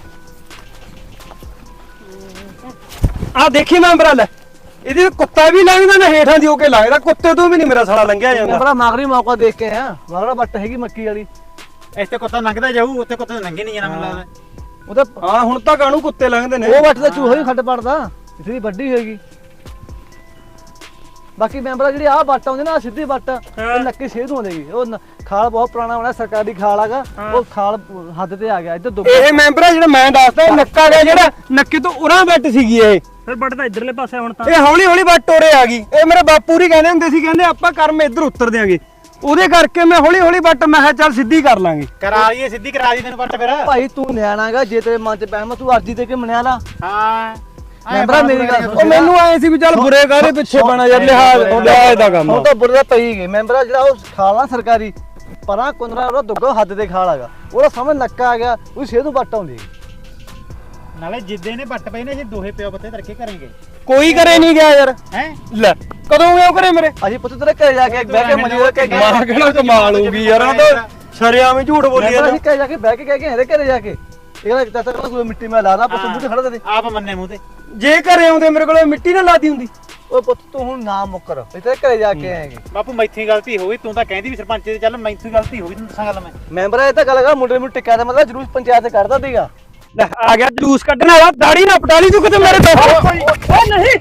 Speaker 3: ਆ ਦੇਖੀ ਮੈਂਬਰ ਲੈ, ਇਹਦੇ ਕੁੱਤਾ ਵੀ ਲੰਘਦਾ ਨਾ ਹੇਠਾਂ ਦੀ ਹੋ ਕੇ ਲੰਘਦਾ, ਕੁੱਤੇ ਤੋਂ ਵੀ ਨਹੀਂ ਮੇਰਾ ਸਾਲਾ ਲੰਘਿਆ ਜਾਂਦਾ।
Speaker 1: ਮੈਂਬਰ ਮਾਗਰੀ ਮੌਕਾ ਦੇਖ ਕੇ ਆ, ਮਾਗਰਾ ਬੱਟ ਹੈਗੀ ਮੱਕੀ ਵਾਲੀ,
Speaker 2: ਇੱਥੇ ਕੁੱਤਾ ਲੰਘਦਾ ਜਾਊ, ਉੱਥੇ ਕੁੱਤੇ ਲੰਘੇ ਨਹੀਂ ਜਾਣਾ ਮੈਨੂੰ ਲੱਗਦਾ।
Speaker 1: ਉਹ ਤਾਂ
Speaker 3: ਹਾਂ ਹੁਣ ਤਾਂ ਕਾਹਨੂੰ ਕੁੱਤੇ ਲੰਘਦੇ ਨੇ।
Speaker 1: ਉਹ ਬੱਟ ਦਾ ਚੂਹਾ ਹੀ ਖੱਡ ਪੜਦਾ, ਇਥੇ ਦੀ ਵੱਡੀ ਹੋਏਗੀ। ਬਾਕੀ ਮੈਂਬਰਾਂ ਜਿਹੜੀ ਆਹ ਬੱਟ ਆਉਂਦੀ ਨਾ, ਸਿੱਧੀ ਬੱਟ, ਇਹ ਨੱਕੇ ਸੇਧ ਹੋਣੇਗੀ। ਉਹ ਨ- ਖਾਲ ਬਹੁਤ ਪੁਰਾਣਾ ਹੋਣਾ, ਸਰਕਾਰੀ ਖਾਲ ਹੈਗਾ, ਉਹ ਖਾਲ ਹੱਦ ਤੇ ਆ ਗਿਆ ਇੱਧਰ ਦੁੱਗ।
Speaker 3: ਇਹ ਮੈਂਬਰ ਆ ਜਿਹੜਾ ਮੈਂ ਦੱਸਦਾ, ਇਹ ਨੱਕਾ ਗਿਆ ਜਿਹੜਾ, ਨੱਕੇ ਤੋਂ ਉਰਾਂ ਬੈਠ ਸੀਗੀ ਇਹ।
Speaker 5: ਫਿਰ ਬੱਟ ਤਾਂ ਇਧਰਲੇ ਪਾਸੇ ਹੁਣ ਤਾਂ।
Speaker 3: ਇਹ ਹੌਲੀ ਹੌਲੀ ਬੱਟ ਉਰੇ ਆ ਗਈ। ਇਹ ਮੇਰੇ ਬਾਪੂ ਹੀ ਕਹਿੰਦੇ ਹੁੰਦੇ ਸੀ, ਕਹਿੰਦੇ ਆਪਾਂ ਕਰਮ ਇੱਧਰ ਉਤਰ ਦਿਆਂਗੇ, ਉਹਦੇ ਕਰਕੇ ਮੈਂ ਹੌਲੀ ਹੌਲੀ ਬੱਟ ਮੈਂ ਕਿਹਾ ਚੱਲ ਸਿੱਧੀ ਕਰ ਲਾਂਗੇ।
Speaker 2: ਕਰਾ ਲਈਏ, ਸਿੱਧੀ ਕਰਾ ਦੀ ਤੈਨੂੰ ਬੱਟ ਫਿਰ।
Speaker 1: ਭਾਈ ਤੂੰ ਨਿਆਣਾਗਾ, ਜੇ ਤੇਰੇ ਮਨ ਚ ਬਹਿਮ ਤੂੰ ਅਰਜੀ ਦੇ ਕੇ ਮਨਿਆ ਲਾ।
Speaker 2: ਹਾਂ
Speaker 1: ਮੈਂਬਰਾਂ ਮੇਰੀ ਗੱਲ
Speaker 3: ਉਹ ਮੈਨੂੰ ਆਏ ਸੀ ਵੀ ਚੱਲ ਬੁਰੇ ਕਾਹਦੇ ਪਿੱਛੇ ਬਣਾ ਯਾਰ, ਲਿਹਾਜ਼ ਲਿਹਾਜ਼ ਦਾ ਕੰਮ
Speaker 1: ਉਹ ਤਾਂ ਬੁਰੇ ਪਈ ਗਏ। ਮੈਂਬਰਾਂ ਜਿਹੜਾ ਉਹ ਖਾਲ ਆ ਸਰਕਾਰੀ ਪਰਾਂ ਕੁੰਦਰਾ, ਉਹਦਾ ਦੁੱਗਾ ਹੱਦ ਤੇ ਖਾਲ ਹੈਗਾ, ਉਹਦਾ ਸਾਹਮਣੇ ਨੱਕਾ ਆ ਗਿਆ, ਉਹ ਸੇਧ ਨੂੰ ਬੱਟ ਆਉਂਦੀ।
Speaker 2: ਨਾਲੇ ਜਿੱਦੇ ਨੇ ਬੱਟ ਪਈ ਨੇ, ਜੇ ਦੋਹੇ ਪਿਓ ਪੱਤੇ ਧਰ ਕੇ ਕਰਾਂਗੇ।
Speaker 3: ਕੋਈ ਕਰੇ ਨਹੀਂ ਗਿਆ ਯਾਰ।
Speaker 2: ਹੈ
Speaker 3: ਲੈ ਕਦੋਂ ਉਹ ਕਰੇ ਮੇਰੇ
Speaker 1: ਅਸੀਂ ਪੁੱਤ ਤੇਰੇ ਘਰੇ ਜਾ ਕੇ ਬਹਿ ਕੇ ਮਨੀ ਕੇ ਗਏ।
Speaker 3: ਮਾਂ ਕਿਹੜਾ ਕਮਾਲ ਹੋ ਗਈ ਯਾਰ, ਉਹ ਤਾਂ ਸ਼ਰਿਆਮ ਹੀ ਝੂਠ ਬੋਲੀ
Speaker 1: ਮੈਂਬਰ
Speaker 3: ਜਾਂਦਾ।
Speaker 1: ਅਸੀਂ ਘਰੇ ਜਾ ਕੇ ਬਹਿ ਕੇ ਕਹਿ ਕੇ ਇਹਦੇ ਘਰੇ ਜਾ ਕੇ ਇਹ ਕਹਿੰਦਾ ਚਾਚਾ ਕੋਈ ਮਿੱਟੀ ਮੈਂ ਲਾ ਦਾਂ, ਪੁੱਤ ਬੂਟੇ ਖੜਾ ਦੇ।
Speaker 2: ਆਪ ਮੰਨੇ ਮੂੰਹ ਤੇ।
Speaker 3: ਜੇ ਘਰੇ ਆਉਂਦੇ ਮੇਰੇ ਕੋਲ ਮਿੱਟੀ ਨਾ ਲਾਦੀ ਹੁੰਦੀ।
Speaker 1: ਉਹ ਪੁੱਤ ਤੂੰ ਹੁਣ ਨਾ ਮੁੱਕਰ, ਅਸੀਂ ਤੇਰੇ ਘਰੇ ਜਾ ਕੇ ਆਏਗੇ।
Speaker 2: ਬਾਪੂ ਮੈਥੋਂ ਹੀ ਗਲਤੀ ਹੋ ਗਈ, ਤੂੰ ਤਾਂ ਕਹਿੰਦੀ ਵੀ ਸਰਪੰਚ ਦੇ ਚੱਲ, ਮੈਥੋਂ ਹੀ ਗਲਤੀ ਹੋ ਗਈ, ਤੈਨੂੰ ਦੱਸਾਂ ਗੱਲ ਮੈਂ।
Speaker 1: ਮੈਂਬਰ ਇਹ ਤਾਂ ਗੱਲ ਹੈਗਾ, ਮੁੰਡੇ ਨੂੰ ਟਿੱਕਾ ਦਾ ਮਤਲਬ ਜਰੂਰ ਪੰਚਾਇਤ ਕਰਦਾ ਸੀਗਾ।
Speaker 3: ਲੈ ਆ ਗਿਆ ਜਲੂਸ ਕੱਢਣ ਵਾਲਾ, ਦਾੜੀ ਨਾ ਪਟਾਲੀ ਤੂੰ ਕਿਤੇ ਮੇਰੇ ਬਾਪੂ।
Speaker 5: ਓ ਨਹੀਂ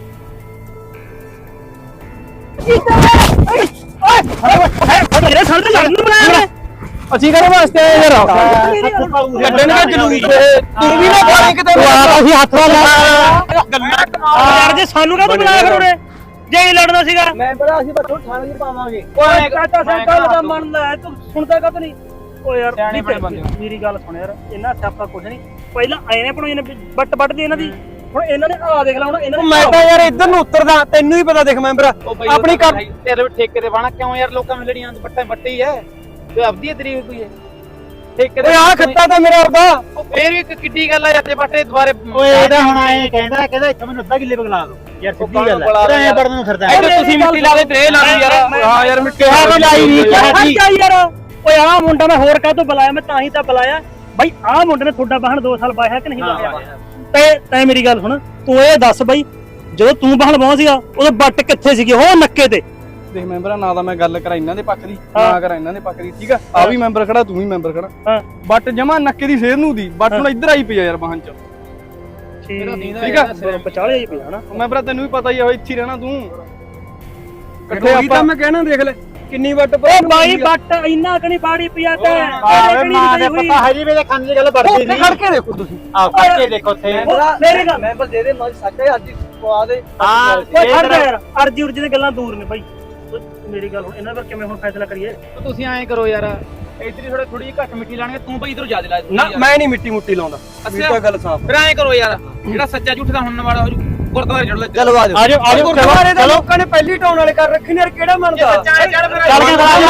Speaker 5: ਮੇਰੇ ਸਾਹਮਣੇ ਲੜਨ ਨੂੰ ਬੁਲਾਇਆ ਮੈਂ।
Speaker 3: ਅਸੀਂ ਕਰੇ ਵਾਸਤੇ ਆਏ ਯਾਰ, ਕੱਢਣ ਦਾ ਜਲੂਸ ਤੂੰ ਵੀ ਨਾ ਪਾਣੀ ਕਿਤੇ। ਅਸੀਂ ਹੱਥ ਨਾਲ
Speaker 5: ਯਾਰ ਜੇ ਸਾਨੂੰ ਕਾਹਤੋਂ ਬੁਲਾਇਆ ਫਿਰ ਉਹਨੇ, ਜੇ ਇਹ ਲੜਨਾ ਸੀਗਾ।
Speaker 1: ਮੈਂਬਰ ਅਸੀਂ ਬੱਟੋ ਥਾਣੇ 'ਚ ਪਾਵਾਂਗੇ।
Speaker 5: ਓਏ ਚਾਚਾ ਸੇ ਗੱਲ ਦਾ ਮੰਨਦਾ ਹੈ, ਤੂੰ ਸੁਣਦਾ ਕਾਹਤੋਂ ਨਹੀਂ? ਓ ਯਾਰ ਮੇਰੀ ਗੱਲ ਸੁਣ ਯਾਰ, ਇਹਨਾਂ ਸਿਆਪਾ ਕੁਝ ਨਹੀਂ। ਪਹਿਲਾਂ ਆਏ ਨੇ ਬਣਾਈ ਨੇ ਬੱਟ ਬੱਟ ਦੀ ਇਹਨਾਂ ਦੀ, ਹੁਣ ਇਹਨਾਂ ਨੇ ਆ ਦੇਖ ਲਾ, ਹੁਣ ਇਹਨਾਂ ਨੇ
Speaker 3: ਮੈਂ ਤਾਂ ਯਾਰ ਇੱਧਰ ਨੂੰ ਉਤਰਦਾ, ਤੈਨੂੰ ਹੀ ਪਤਾ ਦੇਖ ਮੈਂਬਰ ਆਪਣੀ ਕੰਮ
Speaker 2: ਤੇਰੇ ਵੀ ਠੇਕੇ ਤੇ ਬਾਣਾ ਕਿਉਂ ਯਾਰ, ਲੋਕਾਂ ਨੂੰ ਲੜੀਆਂ ਬੱਟਾਂ ਬੱਟੀ ਐ, ਤੇ ਆਪਦੀ ਤਰੀਕ ਕੋਈ ਐ ਠੇਕੇ
Speaker 3: ਓਏ ਆ ਖੱਤਾ ਤਾਂ ਮੇਰਾ ਅੱਬਾ।
Speaker 2: ਫੇਰ ਵੀ ਕਿੱਡੀ ਗੱਲ ਆ ਜਾਂਦੇ ਬੱਟੇ ਦੁਬਾਰੇ। ਓਏ ਇਹਦਾ ਹੁਣ ਆਏ ਕਹਿੰਦਾ ਕਹਿੰਦਾ ਇੱਥੇ ਮੈਨੂੰ ਅੱਧਾ ਕਿੱਲੇ ਬਗਲਾ ਦੋ ਯਾਰ, ਸਿੱਧੀ ਗੱਲ ਐ। ਐ ਬੜਨ ਨੂੰ ਫਿਰਦਾ
Speaker 3: ਤੁਸੀਂ ਮਿੱਟੀ ਲਾ ਦੇ ਤੇ ਲਾ ਦੀ ਯਾਰ। ਹਾਂ ਯਾਰ ਮਿੱਟੀ
Speaker 5: ਵੀ ਲਾਈ ਨਹੀਂ ਯਾਰ। ਓਏ ਆਹ ਮੁੰਡਾ ਮੈਂ ਹੋਰ ਕਾਹਤੋਂ ਬੁਲਾਇਆ, ਮੈਂ ਤਾਂ ਹੀ ਤਾਂ ਬੁਲਾਇਆ ਬਾਈ। ਆਹ ਮੁੰਡੇ ਨੇ ਤੁਹਾਡਾ ਬਾਹਣ ਦੋ ਸਾਲ ਬਾਇਆ ਕਿ ਨਹੀਂ ਬਾਇਆ? ਤੇ ਤੈਂ ਮੇਰੀ ਗੱਲ ਸੁਣ, ਤੂੰ ਇਹ ਦੱਸ ਬਾਈ, ਜਦੋਂ ਤੂੰ ਬਾਹਣ ਬਾਹ ਸੀਗਾ ਉਦੋਂ ਬੱਟ ਕਿੱਥੇ ਸੀਗੀ? ਉਹ ਨੱਕੇ ਤੇ
Speaker 6: ਦੇਖ ਮੈਂਬਰਾਂ, ਨਾ ਤਾਂ ਮੈਂ ਗੱਲ ਕਰਾਂ ਇਹਨਾਂ ਦੇ ਪੱਖ ਦੀ, ਨਾ ਕਰਾਂ ਇਹਨਾਂ ਦੇ ਪੱਖ ਦੀ, ਠੀਕ ਆ? ਆ ਵੀ ਮੈਂਬਰ ਖੜਾ, ਤੂੰ ਵੀ ਮੈਂਬਰ ਖੜਾ।
Speaker 5: ਹਾਂ
Speaker 6: ਬੱਟ ਜਮਾ ਨੱਕੇ ਦੀ ਸੇਧ ਨੂੰ ਦੀ ਬੱਟ ਹੁਣ ਇੱਧਰ ਆਈ ਪਈ ਆ ਯਾਰ ਬਾਹਨ ਚ,
Speaker 5: ਠੀਕ ਆ? ਵਿਚਾਲੇ ਹੀ ਪਿਆ ਨਾ
Speaker 6: ਮੈਂਬਰਾਂ, ਤੈਨੂੰ ਵੀ ਪਤਾ ਹੀ ਆ, ਇੱਥੇ ਹੀ ਰਹਿਣਾ ਤੂੰ।
Speaker 3: ਇਕੱਠੇ ਆਪਾਂ ਮੈਂ ਕਹਿਣਾ ਦੇਖ ਲੈ ਕਿੰਨੀ ਵੱਟ
Speaker 5: ਓ ਬਾਈ ਬੱਟ ਇੰਨਾ ਕਣੀ ਬਾੜੀ ਪਿਆ ਤੇ
Speaker 2: ਮਾਂ ਦੇ ਪਤਾ ਹਜੇ ਵੀ ਖਾਣ ਦੀ ਗੱਲ ਵੜਦੀ ਨਹੀਂ।
Speaker 3: ਖੜ ਕੇ ਦੇਖੋ ਤੁਸੀਂ,
Speaker 2: ਆਹ ਖੜ ਕੇ ਦੇਖੋ ਉੱਥੇ।
Speaker 5: ਮੇਰੀ ਗੱਲ
Speaker 1: ਮੈਂਬਰ ਦੇ ਦੇ ਮਨ ਸੱਚੇ ਅੱਜ ਪਵਾ ਦੇ।
Speaker 2: ਹਾਂ
Speaker 5: ਓਏ ਖੜ ਜਾ ਯਾਰ, ਅਰਜੀ ਉਰਜੀ ਦੀਆਂ ਗੱਲਾਂ ਦੂਰ ਨੇ ਬਾਈ। ਮੇਰੀ ਗੱਲ ਹੁਣ ਇਹਨਾਂ ਦਾ ਕਿਵੇਂ ਹੁਣ ਫੈਸਲਾ ਕਰੀਏ?
Speaker 6: ਤੁਸੀਂ ਐਂ ਕਰੋ ਯਾਰ, ਇਧਰ ਥੋੜਾ ਥੋੜੀ ਘੱਟ ਮਿੱਟੀ ਲਾਣਗੇ, ਤੂੰ ਬਈ ਇਧਰੋਂ ਜ਼ਿਆਦਾ ਲਾ।
Speaker 3: ਨਾ ਮੈਂ ਨਹੀਂ ਮਿੱਟੀ ਮੁੱਟੀ ਲਾਉਂਦਾ, ਮੇਰੀ ਤਾਂ ਗੱਲ ਸਾਫ਼।
Speaker 6: ਫਿਰ ਐਂ ਕਰੋ ਯਾਰ, ਜਿਹੜਾ ਸੱਚਾ ਝੂਠ ਦਾ ਹੁਣ ਵਾਲਾ ਹੋ ਜੂ, ਗੁਰਦੁਆਰੇ ਚੜ ਲੈ।
Speaker 1: ਚਲੋ ਆ ਜਾਓ।
Speaker 3: ਆਜੋ ਆਜੋ, ਗੁਰਦੁਆਰੇ ਦੇ ਲੋਕਾਂ ਨੇ ਪਹਿਲੀ ਟਾਉਣ ਵਾਲੇ ਕਰ ਰੱਖੇ ਨੇ ਯਾਰ, ਕਿਹੜਾ ਮੰਨਦਾ?
Speaker 6: ਚੱਲ ਚੱਲ ਫਿਰ
Speaker 3: ਚੱਲ ਕੇ ਬਣਾ ਲੈ, ਦੱਸੋ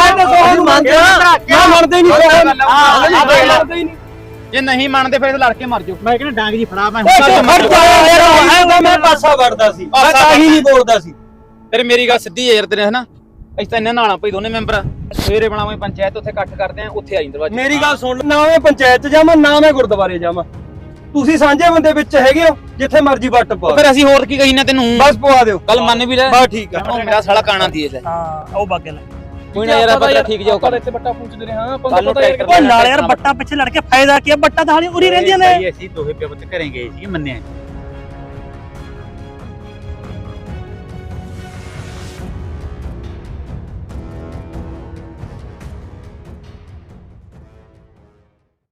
Speaker 1: ਅਸੀਂ ਮੰਨਦੇ ਆ
Speaker 3: ਮੈਂ ਮੰਨਦੇ ਨਹੀਂ
Speaker 2: ਹਾਂ,
Speaker 3: ਮੰਨਦੇ ਹੀ ਨਹੀਂ
Speaker 2: ਜੇ ਨਹੀਂ ਮੰਨਦੇ ਫਿਰ ਲੜ ਕੇ ਮਰ ਜਾਓ ਮੈਂ ਕਹਿੰਦਾ ਡਾਂਗ ਜੀ ਫੜਾ ਮੈਂ
Speaker 3: ਓਏ ਮਰ ਜਾ ਯਾਰ ਮੈਂ ਪਾਸਾ ਵੜਦਾ ਸੀ ਮੈਂ ਤਾਂ ਹੀ ਨਹੀਂ ਬੋਲਦਾ ਸੀ
Speaker 2: ਤੇਰੇ ਮੇਰੀ ਗੱਲ ਸਿੱਧੀ ਹੈ ਯਾਰ ਤੇਰੇ ਹਨਾ ਅਸੀਂ ਤਾਂ ਇਹਨਾਂ ਨਾਲ ਪਈ ਦੋਨੇ ਮੈਂਬਰ ਸਵੇਰੇ ਬਣਾਵਾਂਗੇ ਪੰਚਾਇਤ ਉੱਥੇ ਇਕੱਠ ਕਰਦੇ ਆ ਉੱਥੇ ਆਈ ਦਰਵਾਜ਼ੇ
Speaker 3: ਮੇਰੀ ਗੱਲ ਸੁਣ ਨਾ ਮੈਂ ਪੰਚਾਇਤ ਚ ਜਾਵਾਂ ਨਾ ਮੈਂ ਗੁਰਦੁਆਰੇ ਜਾਵਾਂ ਤੁਸੀਂ ਸਾਂਝੇ ਬੰਦੇ ਵਿੱਚ ਹੈਗੇ ਹੋ ਜਿੱਥੇ ਮਰਜ਼ੀ ਵੱਟ ਪਾ
Speaker 2: ਫਿਰ ਅਸੀਂ ਹੋਰ ਕੀ ਕਹੀ ਨਾ ਤੈਨੂੰ
Speaker 3: ਬਸ ਪਵਾ ਦਿਓ
Speaker 2: ਗੱਲ ਮੰਨ ਵੀ ਲੈ
Speaker 3: ਬਸ ਠੀਕ ਆ
Speaker 2: ਉਹ ਮੇਰਾ ਸਾਲਾ ਕਾਣਾ ਦੀ ਲੈ
Speaker 5: ਹਾਂ ਉਹ ਬਾਗੇ ਲੈ
Speaker 2: ਕੋਈ ਨਾ ਯਾਰ ਆਪਾਂ ਠੀਕ ਜਾਓ
Speaker 6: ਆਪਾਂ ਇੱਥੇ ਬੱਟਾ ਪੁੱਛਦੇ ਰਹੇ ਹਾਂ ਆਪਾਂ
Speaker 2: ਕੱਲ੍ਹ ਨੂੰ
Speaker 6: ਪਤਾ ਯਾਰ
Speaker 2: ਟਰੈਕਟਰ
Speaker 5: ਉਹ ਨਾਲ ਯਾਰ ਬੱਟਾ ਪਿੱਛੇ ਲੜ ਕੇ ਫਾਇਦਾ ਕੀ ਆ ਬੱਟਾ ਤਾਂ ਹਾਲੇ ਉਰੀ ਰਹਿੰਦੀਆਂ ਨੇ
Speaker 2: ਅਸੀਂ ਦੋਹੇ ਪਿਓ ਪੁੱਤ ਘਰੇ ਗਏ ਸੀ ਮੰਨਿਆ